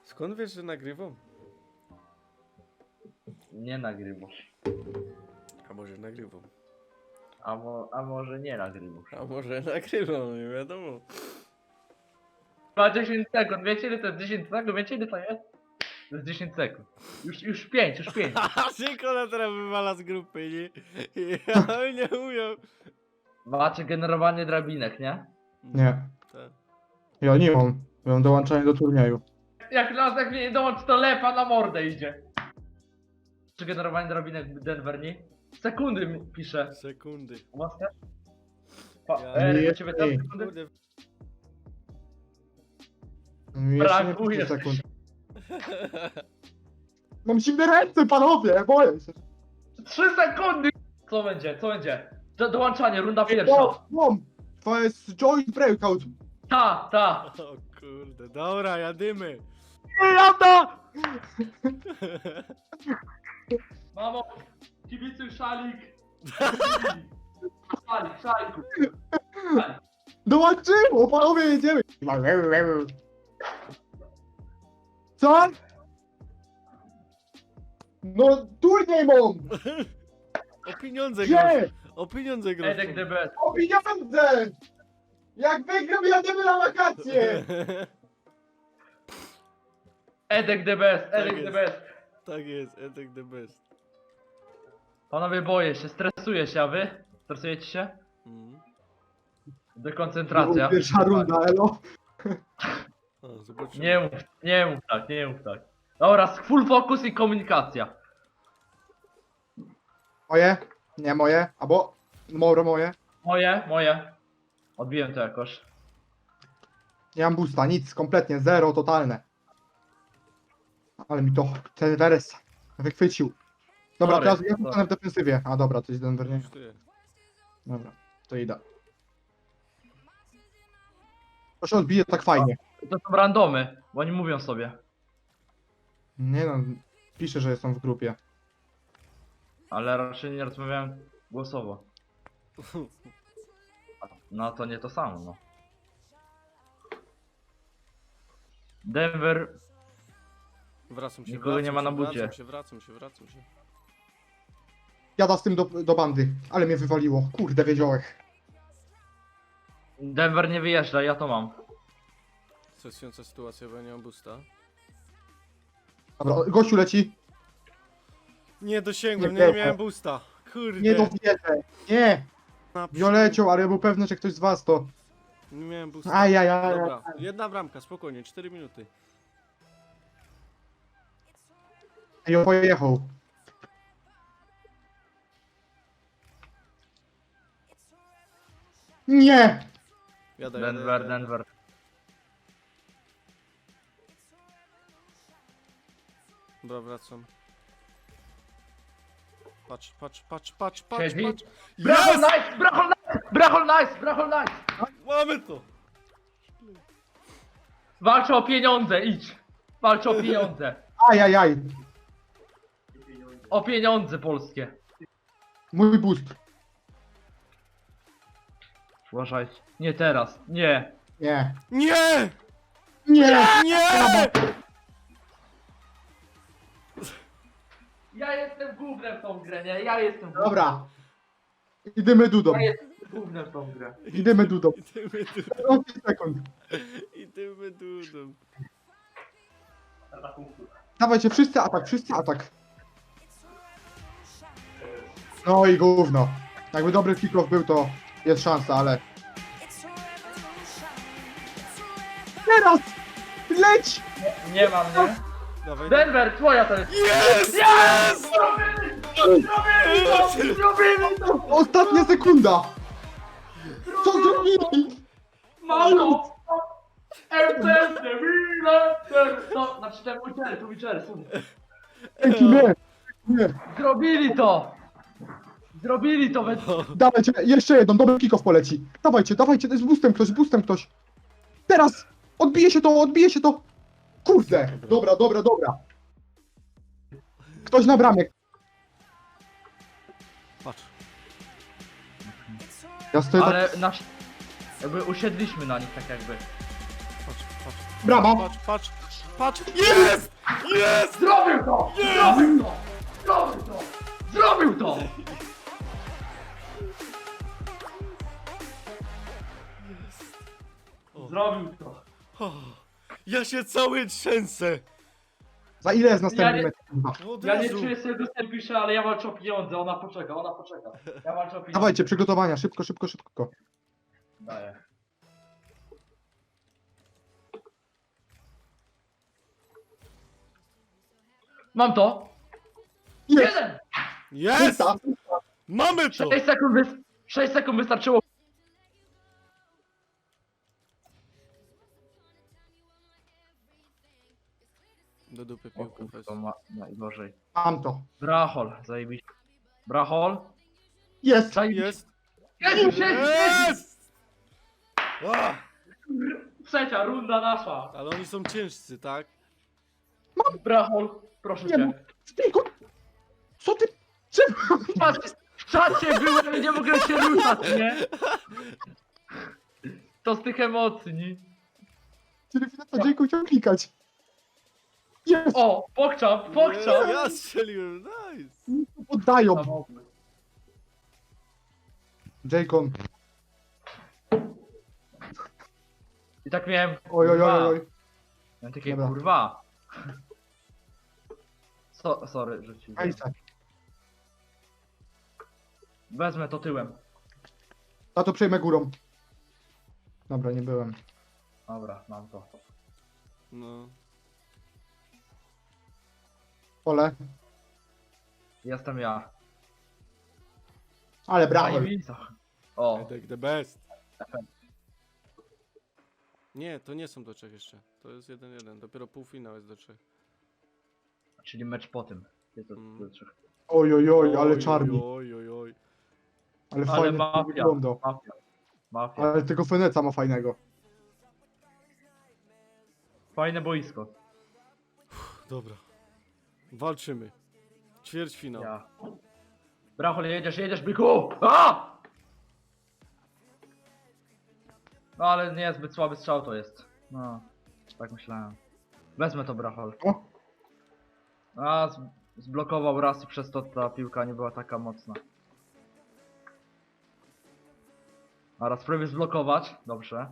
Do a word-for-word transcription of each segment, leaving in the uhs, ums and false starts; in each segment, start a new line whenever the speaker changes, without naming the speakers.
Skąd wiesz, że nagrywam?
Nie nagrywasz.
A może nagrywam?
A, mo a może nie nagrywasz.
A może nagrywam, nie wiadomo.
Ma dziesięć sekund, wiecie ile to jest dziesięć sekund? Wiecie ile to jest? To jest dziesięć sekund. Już, już pięć, już pięć.
A Sikola teraz wywala z grupy, nie? Ja nie umiem.
Macie generowanie drabinek, nie?
Nie.
Tak.
Ja nie mam. Ja mam dołączanie do turnieju.
Jak nas jak mnie nie dołączy, to lepa na mordę idzie. Czy generowanie drabinek Denver, nie? Sekundy mi pisze.
Sekundy.
Masz też? Pa,
Ja-
Eryk,
Nie,
u ciebie też
nie.
sekundy?
Kurde.
Mi jeszcze nie
Brakuje.
pięć sekund. Mam zimne ręce, panowie, boję się.
trzy sekundy! Co będzie, co będzie? Do, dołączanie, runda pierwsza.
O, mam. To jest joint breakout.
Ta, ta.
O kurde, dobra, jadymy.
Jada!
Mamo, kibicuj szalik. Szalik, szalik. Szalik.
Dołączyło, panowie, jedziemy. Co? No, turniej mam.
O pieniądze grosz.
Gdzie?
O pieniądze grosz.
Edek the best.
O pieniądze! Jak wygram, jadziemy na wakacje!
Edek the best, Edek
jest.
the best.
Tak jest, Edek the best.
Panowie, boję się, stresuję się, a wy? Stresujecie się?
Mhm.
Dekoncentracja.
Pierwsza runda, elo.
O, zobaczymy.
Nie mów, nie mów tak, nie mów tak. Dobra, full focus i komunikacja.
Moje? Nie moje, albo moro moje.
Moje, moje. Odbiłem to jakoś.
Nie mam boosta, nic, kompletnie, zero, totalne. Ale mi to, ten Weres wychwycił. Dobra,
Sorry,
teraz ja
sorry.
zostanę w defensywie. A dobra, to jest Denver, nie?
Kosztuje.
Dobra, to idę. To się odbije tak fajnie.
To są randomy, bo oni mówią sobie.
Nie no, pisze, że są w grupie.
Ale raczej nie rozmawiałem głosowo. No to nie to samo, no. Denver.
Wracam się,
Nikogo
wracam
nie ma
się,
na bucie.
Wracam się, wracam się, wracam się.
Jada z tym do, do bandy, ale mnie wywaliło. Kurde, wiedziałeś.
Denver nie wyjeżdża, ja to mam.
Stresująca sytuacja, bo ja nie mam boosta.
Dobra, gościu leci.
Nie dosięgłem,
Nie
nie, nie
było.
miałem boosta. Kurde.
Nie dowierzę. Nie!
Na przód.
Wiolecią, ale ja był pewny, że ktoś z was to.
Nie miałem boosta.
Ajajaj.
Dobra, jedna bramka, spokojnie, cztery minuty.
I on pojechał. Nie!
Jadę,
Denver,
jadę, jadę.
Denver.
Dobra, wracam. Patrz, patrz, patrz, patrz, patrz,
Siedzi.
patrz.
Brachol
Jest!
nice! Brachol nice! Brachol nice! Brachol nice!
Mamy to!
Walczę o pieniądze, idź! Walczę o pieniądze!
Ajajaj.
O pieniądze polskie!
Mój boost.
Uważaj. Nie teraz, nie!
Nie.
Nie!
Nie!
Nie!
Ja jestem gównem w tą grę, nie? Ja jestem gównem.
Dobra. Idziemy dudą.
Ja jestem gównem w tą grę.
Idziemy dudą.
Idziemy tu,
pięć sekund.
idziemy tu.
Dawajcie, wszyscy atak, wszyscy atak. No i gówno. Jakby dobry kick-off był, to jest szansa, ale... Teraz! Leć!
Nie mam, nie?
Dawaj.
Denver, twoja to jest!
Jest! Jest!
Zrobili to! Zrobili to!
Ostatnia sekunda! Co zrobili?
Mało! R T S, no, znaczy ten Witcher, tu Witcher, sorry.
Dzięki, nie! Nie!
Zrobili to! Zrobili to we...
Dawajcie, jeszcze jedną, dobry kick-off poleci. Dawajcie, dawajcie, z boostem ktoś, z boostem ktoś. Teraz! Odbije się to, odbije się to! Kurde! Dobra, dobra, dobra. Ktoś na bramie.
Patrz.
Ja stoję tak...
Ale nasz... Jakby usiedliśmy na nich tak jakby.
Patrz, patrz.
Brawo!
Patrz, patrz, patrz! Jest! Jest!
Zrobił to! Zrobił to! Zrobił to! Zrobił to!
O.
Zrobił to!
O, ja się cały trzęsę!
Za ile jest następny
Ja nie-
mecz? kurwa?
No Od
Ja nie
razu.
czuję sobie dostępu pisze, ale ja walczę o pieniądze, ona poczeka, ona poczeka. Ja walczę o pieniądze.
Dawajcie, przygotowania, szybko, szybko, szybko.
Daję. Mam to!
Jest!
Jeden!
Jest!
Czysta!
Mamy to!
sześć sekund, wys... sześć sekund wystarczyło.
Do dupy
O
piłkę
kurwa,
weź.
to ma najgorzej.
Mam to.
Brachol, zajebiście. Brachol?
Jest!
Zajebiście.
Jest!
Jest! Jest! Jest!
Jest! A,
Trzecia runda nasza.
ale oni są ciężcy, tak?
Brachol, proszę
Nie
cię.
Spiko! Co ty? Czemu?
W czacie, w czacie byłem i nie mogłem się ruszać, nie? To z tych emocji, nie?
Czyli to Jake'u chciał klikać. Jest!
O, pokczam,
Nie,
pokczam.
ja strzeliłem, nice!
Poddają! Jake'on.
I tak miałem.
Oj, oj, oj,
kurwa.
oj.
Miałem takie
Dobra.
kurwa. So, sorry, że ci.
Ejse.
Wezmę to tyłem.
A to przejmę górą. Dobra, nie byłem.
Dobra, mam to.
No.
Ole.
Jestem ja.
Ale brawo.
Zajebista. O,
Edek the best. Nie, to nie są do trzech jeszcze. To jest jeden jeden. Dopiero półfinał jest do trzech.
czyli mecz po tym. Jest to,
Mm.
to, to,
Oj, oj, oj, ale
Oj,
czarni.
Oj, oj, oj.
Ale
ale
fajnie to
mafia.
wygląda.
Mafia. Mafia.
Ale tego Feneca ma fajnego.
Fajne boisko.
Dobra. Walczymy. Ćwierćfinał.
Ja. Brachol, jedziesz, jedziesz, byku! A! No ale nie, zbyt słaby strzał to jest. No, tak myślałem. Wezmę to, Brachol.
O,
A, z, zblokował raz i przez to ta piłka nie była taka mocna. A raz spróbuję zblokować. Dobrze.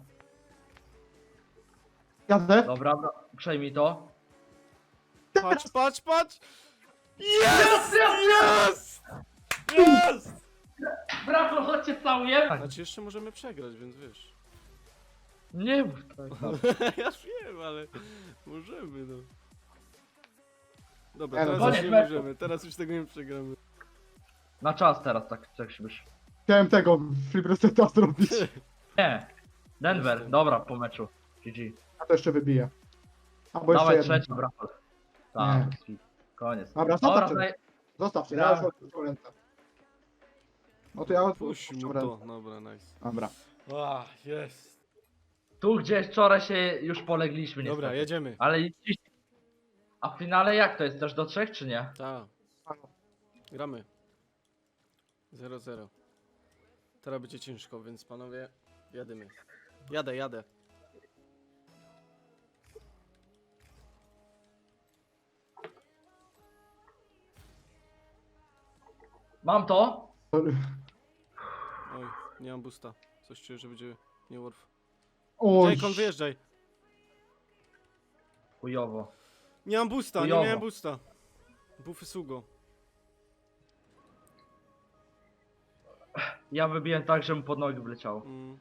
jadę.
Dobra, bra- przejmij to.
Patrz, patrz, patrz! Jest! Jest! Jest!
Brachol, chodźcie całuję!
Znaczy jeszcze możemy przegrać, więc wiesz.
Nie mów tak.
Ja wiem, ale możemy, no. Dobra,
Nie no,
teraz
koniec
już nie
meczu.
możemy, teraz już tego nie przegramy.
Na czas teraz, tak, tak się byś.
Chciałem tego flip reseta zrobić.
Nie. Denver,
Jestem.
dobra, po meczu. G G.
A to jeszcze wybiję. Albo jeszcze
Dawaj
jeden.
trzeci, Brachol. Tak, koniec.
Dobra,
Dobra,
zostawcie.
daj-
Zostawcie, ja
Brawo.
już odpuszczam ręce. No to ja
Puść mu
odpuszczam
to,
ręce.
dobra, nice.
Dobra.
A, jest.
tu gdzie wczoraj się już polegliśmy niestety.
Dobra, jedziemy.
Ale i dziś... A w finale jak to jest? Też do trzech czy nie?
Tak, gramy. zero zero. Teraz będzie ciężko, więc panowie, jadymy. Jadę, jadę.
Mam to?
Oj, nie mam boosta. Coś czuję, że będzie nie worth.
Oj,
Jaycon, wyjeżdżaj.
Chujowo.
Nie mam boosta, nie
Chujowo.
miałem boosta. Buffy Sugo.
Ja wybiłem tak, że mu pod nogi wleciało.
Mm.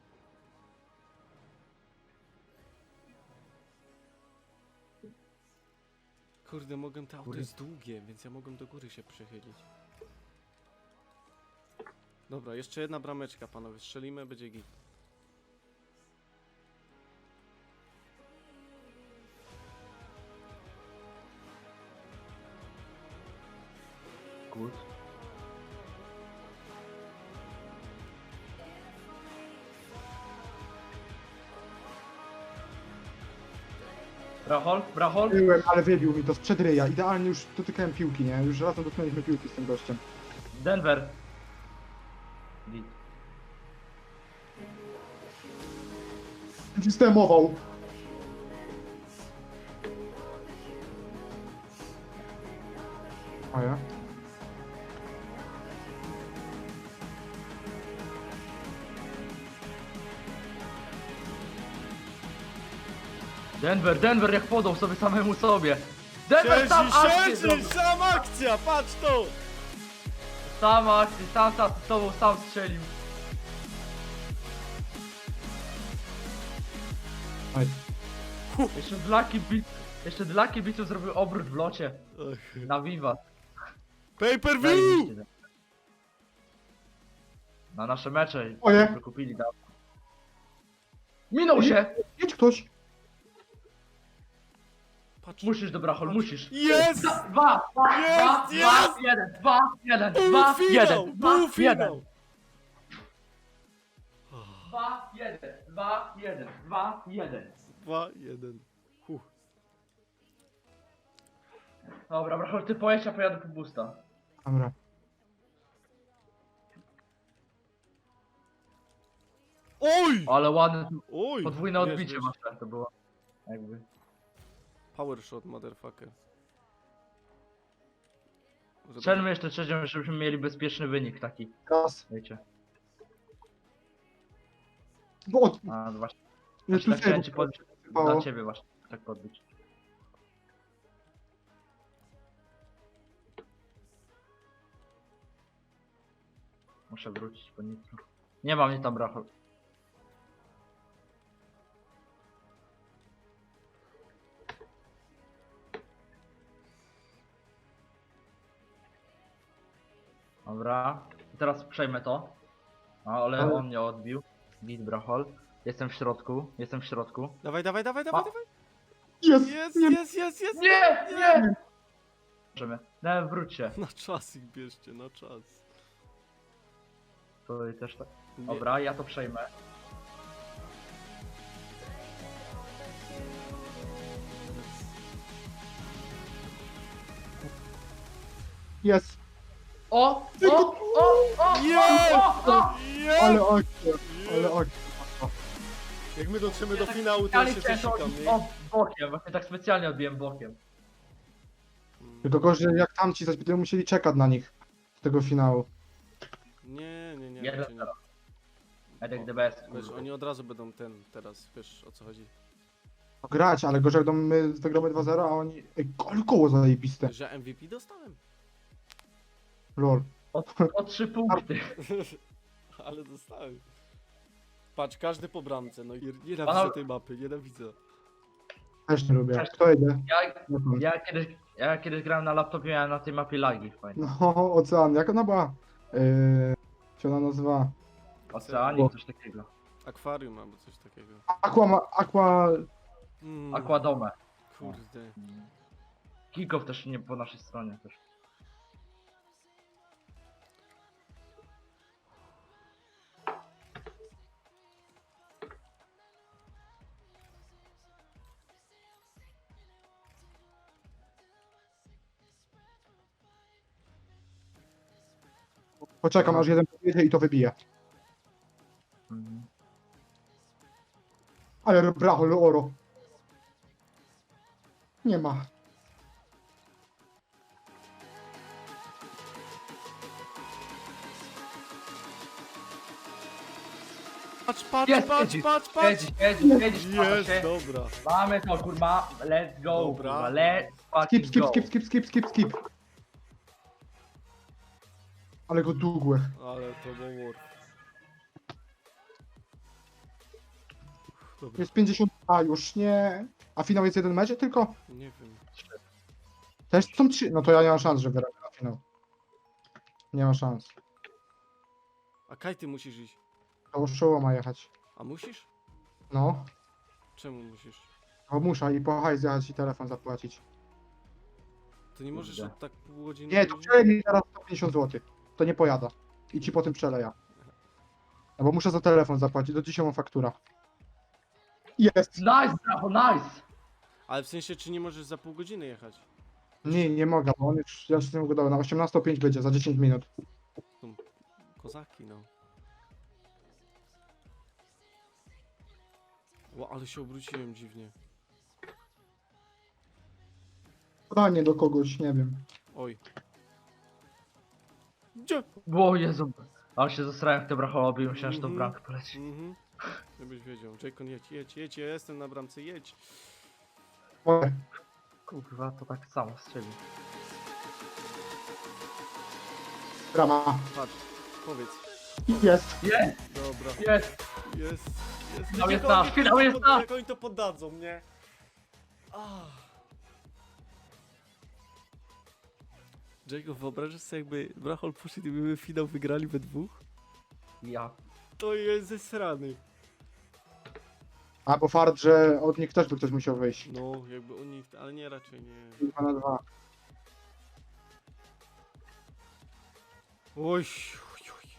Kurde, mogę, to auto
Kurde.
jest długie, więc ja mogę do góry się przechylić. Dobra, jeszcze jedna brameczka, panowie. Strzelimy, będzie git.
Good. Brachol, Brachol.
byłem, ale wybił mi to sprzed ryja. Idealnie już dotykałem piłki, nie? Już razem dotknęliśmy piłki z tym gościem.
Denver. Git.
Systemował. A ja?
Denver, Denver jak podał sobie samemu sobie. Denver sam
Siedzi,
akcję
siedzi,
zrobił.
sam akcja, patrz to!
Sam akcję, sam sam z tobą sam strzelił.
Aj.
Jeszcze dla kibiców, jeszcze dla kibiców zrobił obrót w locie.
Ach.
Na Viva.
Pay per view!
Zajebiście. Na nasze mecze.
Oje.
Wykupili dawno. Minął się!
Jedź ktoś.
Patrz.
Musisz, dobra, hol, musisz.
Jest!
Dwa, dwa, dwa,
Jest,
dwa,
jest!
jeden, dwa, jeden,
Był
dwa,
finał!
jeden, dwa,
Był
jeden.
finał!
Dwa, jeden, dwa, jeden, dwa, jeden.
Dwa, jeden. Huh.
Dobra, brachol, ty pojedź, a pojadę po boosta.
Dobra.
Oj!
Ale ładne,
Oj!
podwójne
Wiesz,
odbicie
wiesz.
masz, to było. Jakby.
Power shot, motherfucker. Żeby-
Strzelmy jeszcze trzecią, żebyśmy mieli bezpieczny wynik taki,
Raz.
wiecie.
Bo od...
A, no właśnie,
Nie, tu
tak chciałem ci
sobie
podbić,
sypało.
dla ciebie właśnie, tak podbić. Muszę wrócić po nitro. Nie mam mnie tam brachol. Dobra, teraz przejmę to. A, ale
Ale-
on mnie odbił. Git brachol. Jestem w środku, jestem w środku.
Dawaj, dawaj, dawaj, dawaj,
A.
dawaj!
Jest!
Jest,
Nie,
jest, jest, jest!
Nie, nie! Możemy. No, wróć się.
Na czas ich bierzcie, na czas.
To też tak.
Nie.
Dobra, ja to przejmę.
jest!
O! O! O! O!
Jest!
O! O!
Jest!
Ale akcja! Ale
Jest!
akcja.
Jak my dotrzemy do finału, to ja się
Specjalnie chciałem to
zasikam,
odbić-
nie?
O, bokiem, właśnie tak specjalnie odbiłem bokiem.
Tylko gorzej jak tamci zaś będziemy musieli czekać na nich. Z tego finału.
Nie, nie, nie.
Jeden
raczej nie.
zero. Edek the best.
Wiesz,
kurwa.
oni od razu będą ten, teraz, wiesz o co chodzi.
No grać, ale gorzej jak my wygramy dwa zero, a oni... Ej, ale koło zajebiste.
Że M V P dostałem.
Lol.
O, o trzy punkty.
Ale dostałem. Patrz, każdy po bramce, no i nienawidzę
Panowie-
tej mapy, nienawidzę.
Też nie lubię.
Cześć.
Kto jedzie?
Ja,
Nie wiem.
ja, kiedyś, ja kiedyś grałem na laptopie, miałem na tej mapie lagi fajnie.
No, ocean. Jak ona była? Yy... Jak się ona nazywa?
Oceanik, coś takiego.
Akwarium albo coś takiego.
Aqua... ma- Aqua...
Mm,
Aquadome.
Kurde.
Kickoff też nie po naszej stronie też.
Poczekam aż jeden podjedzie i to wybije.
Mhm.
Ale bracho, oro. Nie ma.
Patrz, patrz,
Jest,
patrz,
jedziesz,
patrz, patrz!
Jedziesz, jedziesz, jedziesz,
Jest,
się.
dobra.
Mamy to kurwa, let's go,
Dobra.
kurwa, let's
Skip,
fucking
skip,
go.
skip, skip, skip, skip, skip. Ale go długłe.
Ale to był war. Dobra,
Jest pięćdziesiąt, a już nie. A finał jest jeden mecz tylko?
nie wiem.
Też są trzy. No to ja nie mam szans, że wyrabię na finał. Nie ma szans.
A Kaj, ty musisz iść.
To Showa ma jechać.
A musisz?
No.
Czemu musisz?
Bo muszę i po hajs jechać i telefon zapłacić.
To nie możesz
Kurde.
od tak pół godziny...
Nie, to przeleję mi teraz sto pięćdziesiąt złotych. To nie pojada. I ci potem przeleję. No bo muszę za telefon zapłacić, do dzisiaj mam faktura. Jest!
Nice, brawo, nice!
Ale w sensie, czy nie możesz za pół godziny jechać?
Nie, nie mogę, bo on już, ja już z tym ugadałem, na osiemnastą pięć będzie, za dziesięć minut.
Kozaki, no. Ło, ale się obróciłem dziwnie.
Podanie do kogoś, nie wiem.
Oj. Gdzie?
O Jezu. Ale się zesrałem w te brachołobi i myślałem, że to
Mhm.
bramkę poleci.
Mhm. Żebyś wiedział. Jacon, jedź, jedź, jedź, ja jestem na bramce, jedź.
Oj,
Kurwa, to tak samo strzelił.
brama.
Patrz, powiedz.
Jest.
Jest!
Dobra,
Jest!
jest, jest.
Finał jest
Jak oni
nasz,
to
finał jest
pod-
nasz.
Jak oni to poddadzą, nie? Ah. Jacob, wyobrażasz sobie, jakby Brachol poszedł i byśmy finał wygrali we dwóch?
Ja.
To jest zesrany.
A bo fart, że od nich też by ktoś musiał wyjść.
No, jakby oni, ale nie, raczej nie.
dwa na dwa.
Oj, oj, oj.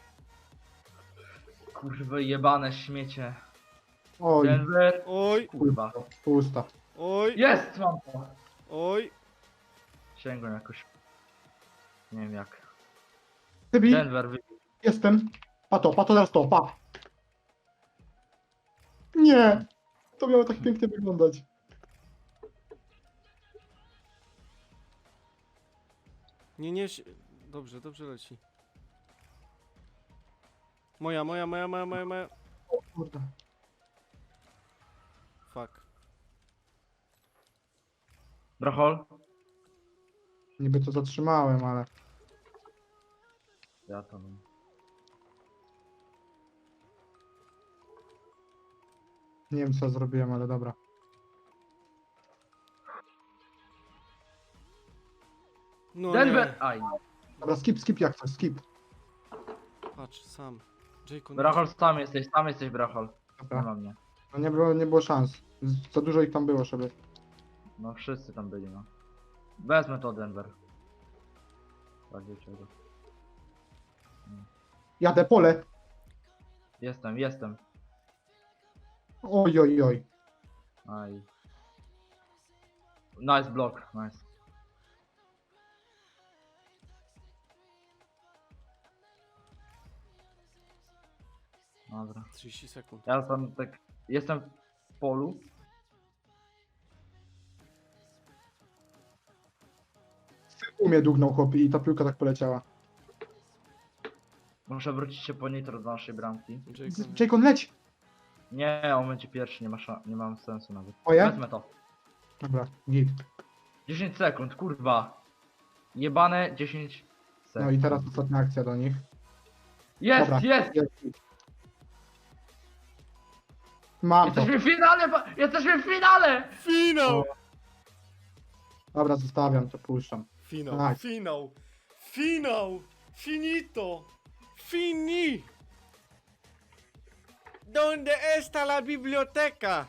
Kurwa, jebane śmiecie.
Oj,
Denver.
Oj,
Kurwa.
pusta.
oj,
Jest! Mam to.
oj.
Sięgłem jakoś. Nie wiem jak.
Tybi,
Denver wy...
jestem. Pato, pato teraz to, pa. Nie. To miało tak pięknie wyglądać.
Nie, nie, si- dobrze, dobrze leci. Moja, moja, moja, moja, moja, moja.
O kurde.
Fuck.
Brachol?
Niby to zatrzymałem, ale...
Ja to mam.
Nie wiem co zrobiłem, ale dobra.
No
Denver!
nie.
Aj.
Dobra, skip, skip jak coś, skip.
Patrz, sam. Jacon.
Brachol, sam jesteś, sam jesteś Brachol. Nie
Dobra.
ma mnie.
No nie było, nie było szans. Z- Za dużo ich tam było, żeby...
No wszyscy tam byli, no. Wezmę to Denver. Tak czego.
Jadę, pole.
Jestem, jestem.
Oj, oj, oj.
Aj. Nice block, nice. Dobra.
trzydzieści sekund.
Ja tam tak... Jestem w polu.
U mnie dugnął chłop i ta piłka tak poleciała.
Muszę wrócić się po nitro do naszej bramki.
Jacon.
Z- Jacon, leć!
Nie, on będzie pierwszy, nie ma, szan- nie mam sensu nawet.
Moje?
Wezmę to.
Dobra, git.
dziesięć sekund, kurwa. Jebane dziesięć sekund.
No i teraz ostatnia akcja do nich.
Jest,
Dobra.
jest!
Jest. Mam to.
Jesteśmy w finale! ba- Jesteśmy w finale!
Finał!
Dobra, zostawiam to, puszczam.
Finał,
Tak.
finał, finał, finito, fini. Donde está la biblioteca?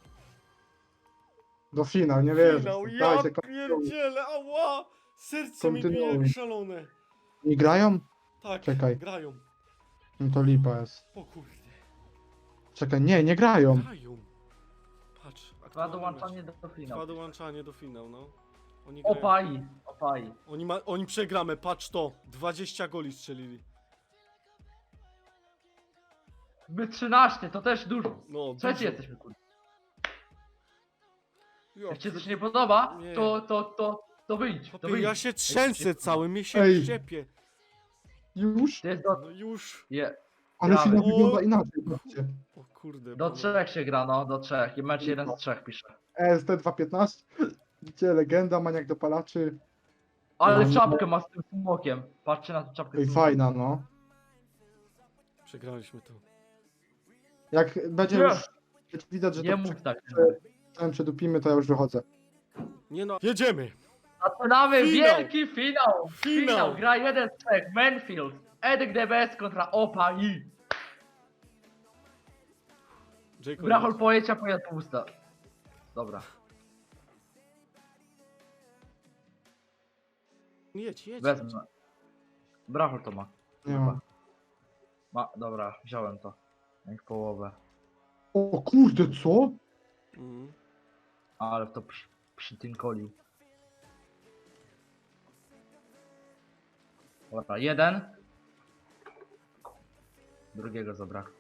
Do finał, nie wierzę.
Finał, ja
Dajcie, kontynuuj.
pierdzielę, ała! Serce mi bije
Kontynuuj.
jak szalone.
Nie grają?
Tak,
Czekaj.
grają.
No to lipa jest.
O kurde,
Czekaj, nie, nie grają.
grają. Patrz,
Dwa
aktualny
dołączanie
mecz.
do
Dwa
finału.
dołączanie do finału, no. Oni grają.
Opai, opai.
Oni, ma, oni przegramy, patrz to. dwadzieścia goli strzelili.
My trzynaście, to też dużo.
No,
Trzeci
dużo.
jesteśmy, kurwa.
Ja
Jak ci coś nie podoba,
Nie.
to, to, to, to wyjdź, to
Chłopie,
wyjdź.
ja się trzęsę cały, mnie się
Ej.
szczepie.
Już?
To jest do,
No już.
je,
Ale
Gramy.
finał
O.
wygląda inaczej, patrzcie.
O kurde.
do
panowie.
trzech się gra, no, do trzech. I mecz jeden z trzech pisze.
E S T dwieście piętnaście. Widzicie, legenda, maniak dopalaczy.
Ale
No.
czapkę ma z tym smokiem. Patrzcie na tę czapkę.
Ej,
z smokiem.
fajna, no.
Przegraliśmy to.
Jak będzie
Nie.
już widać, że
Nie
to
mów tak.
prze- przedupimy, to ja już wychodzę.
Nie no. Jedziemy!
Zaczynamy
Finał.
wielki finał.
Finał.
Finał. Gra jeden z trzech. Manfield. Edek D B S kontra Opai.
Jacob,
Brachol pojedź, a pojazd pusta. Dobra.
jedź, jedź.
Wezmę. Brachol to ma.
Nie mam.
Ma, dobra, wziąłem to. Jak połowę.
O kurde, co?
Mhm.
Ale w to przy, przytynkolił. Dobra, jeden. Drugiego zabrakło.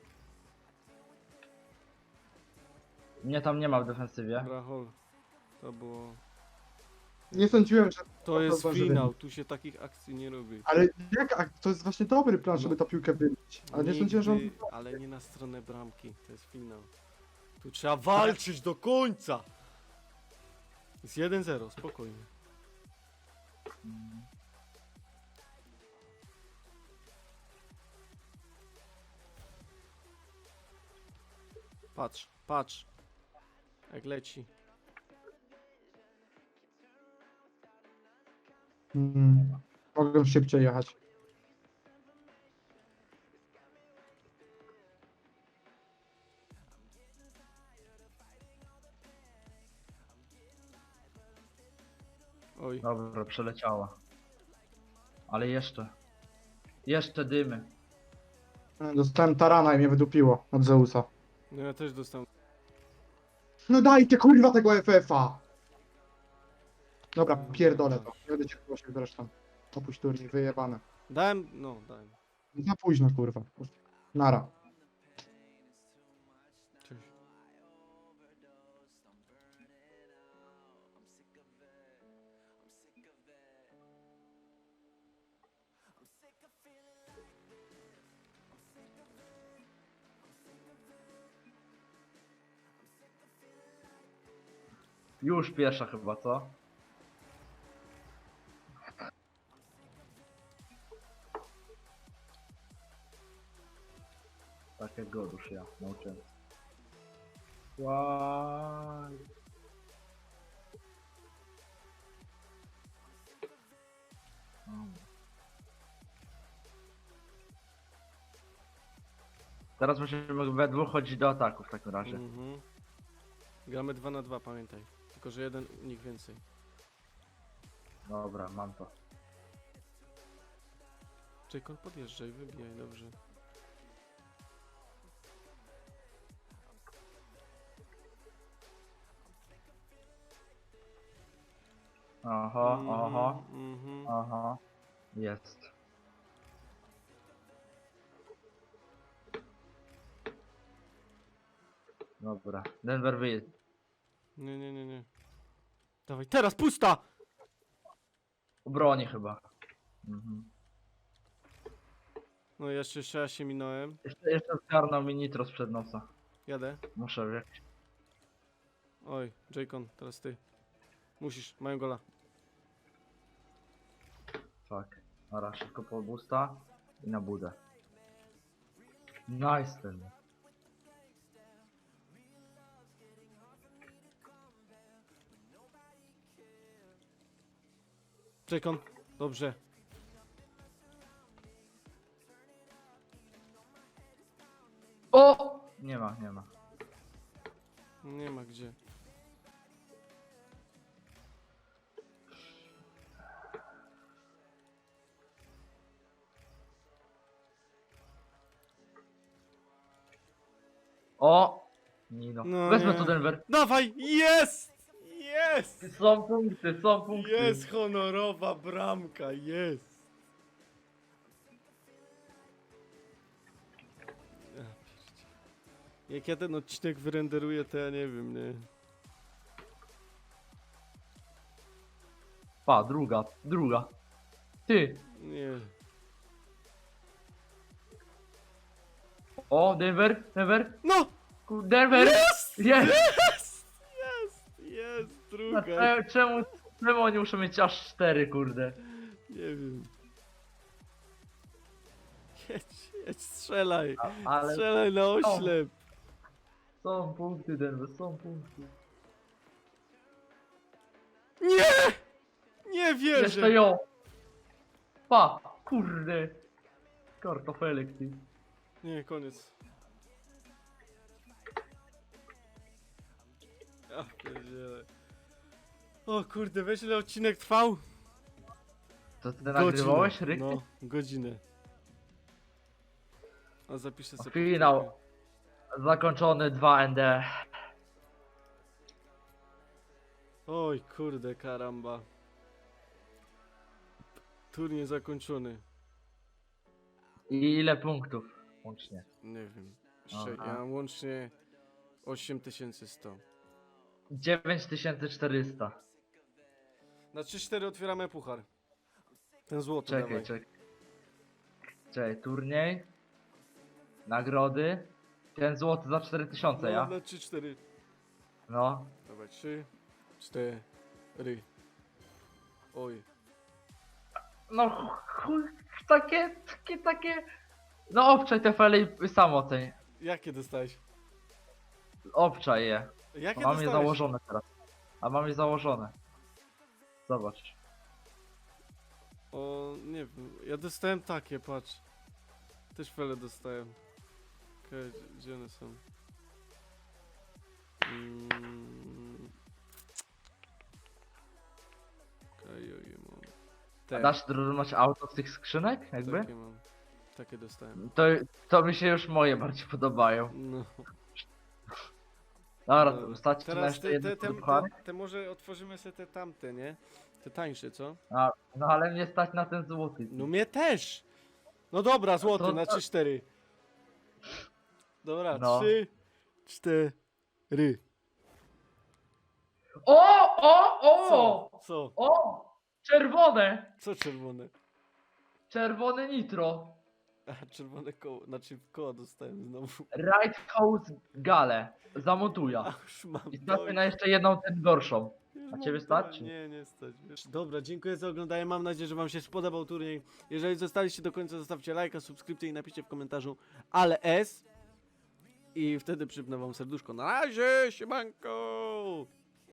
Mnie tam nie ma w defensywie.
Brachol. To było...
Nie sądziłem, że...
To jest
zdąży
finał,
wybić.
tu się takich akcji nie robi.
Ale jak, a to jest właśnie dobry plan,
No.
żeby ta piłkę wybić. Ale nie sądziłem, że on...
Nigdy, ale nie na stronę bramki, to jest finał. Tu trzeba walczyć do końca! Jest jeden zero, spokojnie. Patrz, patrz. Jak leci.
Mm, mogę szybciej jechać.
Oj,
Dobra, przeleciała. Ale jeszcze. Jeszcze dymy.
Dostałem tarana i mnie wydupiło od Zeusa.
no ja też dostałem.
No dajcie kurwa tego F F a! Dobra, pierdolę to. Nie będę cię prosił zresztą. Opuść turniej, wyjebane.
Dałem, no dałem.
Za późno kurwa. Nara.
Cześć.
Już pierwsza chyba, co? Takiego już ja nauczyłem. Łaj. Teraz musimy we dwóch chodzić do ataku w takim razie.
Mhm. Gramy dwa na dwa, pamiętaj. Tylko, że jeden unik więcej.
Dobra, mam to.
Jacob, podjeżdżaj, wybijaj, dobrze.
Aha, aha,
Mhm.
aha. Jest. Dobra, Denver wyjedź.
Nie, nie, nie, nie. Dawaj, teraz, pusta!
Broni chyba. Mhm.
No jeszcze, jeszcze ja się minąłem.
Jeszcze, jeszcze zgarnął mi nitro sprzed nosa.
Jadę.
Muszę jakiś.
Oj, Jacon, teraz ty. Musisz, mają gola.
Fuck. Dobra, szybko po busta i na budę. Nice ten.
Jacon, dobrze.
O! Nie ma, nie ma.
Nie ma gdzie.
O! Nino.
No
Wezmę
nie.
to Denver.
Dawaj, jest! Jest!
Są punkty, są punkty.
Jest honorowa bramka, jest! Ja pierdzie- Jak ja ten odcinek wyrenderuję, to ja nie wiem, nie?
Pa, druga, druga. Ty.
Nie.
O, Denver, Denver.
No!
Ku- Denver.
Jest!
Jest!
Jest! Jest! Jest!
A
Druga!
cze- Czemu, czemu oni muszą mieć aż cztery, kurde?
Nie wiem. Jedź, jedź, strzelaj!
A, ale
Strzelaj na oślep!
są punkty, Denver, są punkty.
Nie! Nie wierzę!
Jeszcze ją. Pa, kurde. Kartofelek, ty.
Nie, koniec. Ja pierdzielę. O kurde, weź ile odcinek trwał?
To ty nagrywałeś,
Godzinę.
Ryk?
No, godzinę. A zapiszę sobie.
Finał.
powtórkę.
Zakończony dwa N D.
Oj kurde, karamba. Turniej zakończony.
I ile punktów łącznie?
Nie wiem. Sze-
Aha.
ja mam łącznie osiem tysięcy sto.
dziewięć tysięcy czterysta.
Na trzy cztery otwieramy puchar. Ten złoty
Czekaj,
dawaj.
czekaj. Czekaj, turniej. Nagrody. Ten złoty za cztery tysiące,
No,
ja?
na trzy cztery.
No.
Dawaj, trzy, cztery. Oj.
No chuj, takie, takie, takie... No obczaj te fele i sam oceń.
Jakie dostałeś?
Obczaj je.
Jakie
Mam je
dostałeś?
założone teraz. A mam je założone. Zobacz.
O, nie wiem. Ja dostałem takie, patrz. Też fele dostałem. Okej, gdzie- gdzie one są? Mm. Okej, okay, mam.
A
Te,
dasz drużynować auto z tych skrzynek? Jakby?
takie mam. Takie dostałem.
To, to mi się już moje bardziej podobają.
No.
Dobra,
Dobra.
to stać ci na
Teraz
jeszcze
te,
jedno
te, te,
puchar.
te, te może otworzymy sobie te tamte, nie? Te tańsze, co?
A, no ale mnie stać na ten złoty.
No mnie też! No dobra, złoty
to-
na trzy cztery. Dobra,
No.
trzy cztery.
O, o,
Co?
o!
Co?
O! Czerwone!
Co czerwone?
Czerwone nitro.
A, czerwone koło, znaczy koła dostałem znowu.
Right House Gale. Zamontuja.
A już mam
I stać mi
dość.
na jeszcze jedną ten gorszą.
Już
A
mam
ciebie stać,
dość.
czy?
Nie, nie stać. Wiesz. Dobra, dziękuję za oglądanie. Mam nadzieję, że wam się spodobał turniej. Jeżeli zostaliście do końca, zostawcie lajka, subskrypcję i napiszcie w komentarzu ale S. I wtedy przypnę wam serduszko. Na razie, siemanko!